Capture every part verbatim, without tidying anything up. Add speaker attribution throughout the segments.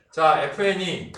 Speaker 1: 자, fn이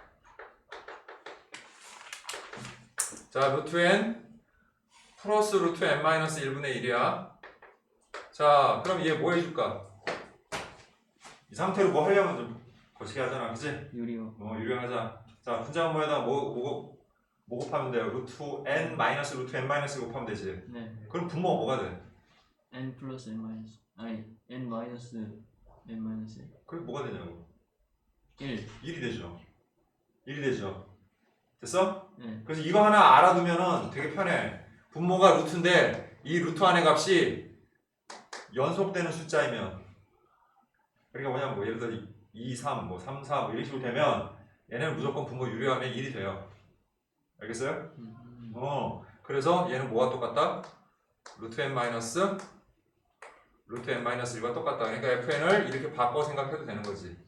Speaker 1: 자, 루트 n 플러스 루트 n 마이너스 일분의 일이야. 자, 그럼 얘 뭐 해줄까? 이 상태로 뭐 하려면 좀 거시기 하잖아, 그치?
Speaker 2: 유리요.
Speaker 1: 뭐 유리하자. 자, 분자분모에다 뭐, 뭐, 뭐 곱하면 돼요? 루트 n 마이너스 루트 n 마이너스 곱하면 되지.
Speaker 2: 네.
Speaker 1: 그럼 분모가 뭐가 돼?
Speaker 2: n 플러스 n 마이너스 아니 n 마이너스 n 마이너스
Speaker 1: 그게 뭐가 되냐고.
Speaker 2: 일.
Speaker 1: 일이 되죠. 일이 되죠. 됐어?
Speaker 2: 네.
Speaker 1: 그래서 이거 하나 알아두면은 되게 편해. 분모가 루트인데 이 루트 안의 값이 연속되는 숫자이면, 그러니까 뭐냐면 뭐 예를 들어 이, 삼, 뭐 삼, 사 뭐 이런 식으로 되면 얘는 무조건 분모 유리하면 일이 돼요. 알겠어요?
Speaker 2: 음.
Speaker 1: 어. 그래서 얘는 뭐가 똑같다? 루트 n 마이너스 루트 n 마이너스 일과 똑같다. 그러니까 fn을 이렇게 바꿔 생각해도 되는 거지.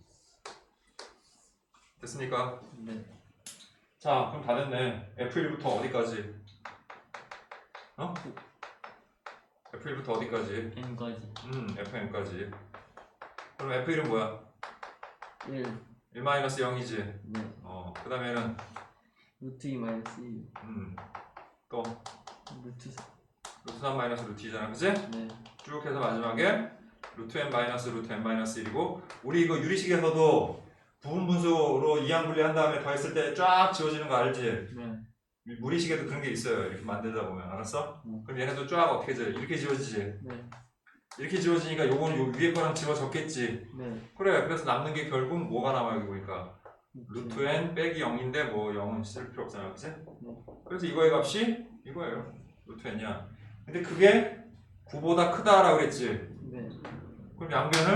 Speaker 1: 됐습니까?
Speaker 2: 네.
Speaker 1: 자, 그럼 다 됐네. 에프 일부터 어디까지? 어? 에프 일부터 어디까지?
Speaker 2: n까지
Speaker 1: 음, 에프엔까지. 그럼 에프 일은 뭐야?
Speaker 2: 일.
Speaker 1: 일 마이너스 영이지.
Speaker 2: 네.
Speaker 1: 어, 그 다음에는
Speaker 2: 루트 이 마이너스 이.
Speaker 1: 음, 또
Speaker 2: 루트 사.
Speaker 1: 루트 삼 마이너스 루트 이잖아, 그치?
Speaker 2: 네.
Speaker 1: 쭉 해서 마지막에 루트 n 마이너스 루트 n 마이너스 일이고, 우리 이거 유리식에서도 부분 분수로 이항 분리한 다음에 더했을 때 쫙 지워지는 거 알지?
Speaker 2: 네.
Speaker 1: 무리식에도 그런 게 있어요. 이렇게 만들다 보면. 알았어?
Speaker 2: 음.
Speaker 1: 그럼 얘네도 쫙 어떻게 져? 이렇게 지워지지?
Speaker 2: 네.
Speaker 1: 이렇게 지워지니까 요거는 요 위에 거랑 지워졌겠지?
Speaker 2: 네.
Speaker 1: 그래. 그래서 남는 게 결국 뭐가 남아 여기 보니까 루트 n 빼기 영인데 뭐 영은 쓸 필요 없잖아, 그치? 그래서 이거의 값이 이거예요. 루트 n이야. 근데 그게 구보다 크다라고 그랬지?
Speaker 2: 네.
Speaker 1: 그럼 양변을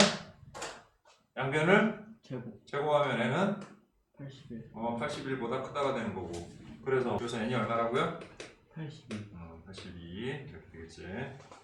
Speaker 1: 양변을
Speaker 2: 제곱
Speaker 1: 제곱하면 n은
Speaker 2: 팔십일.
Speaker 1: 어, 팔십일보다 크다가 되는 거고. 그래서 그래서 n이 얼마라고요?
Speaker 2: 팔십일.
Speaker 1: 어, 팔십이 이렇게 되겠지.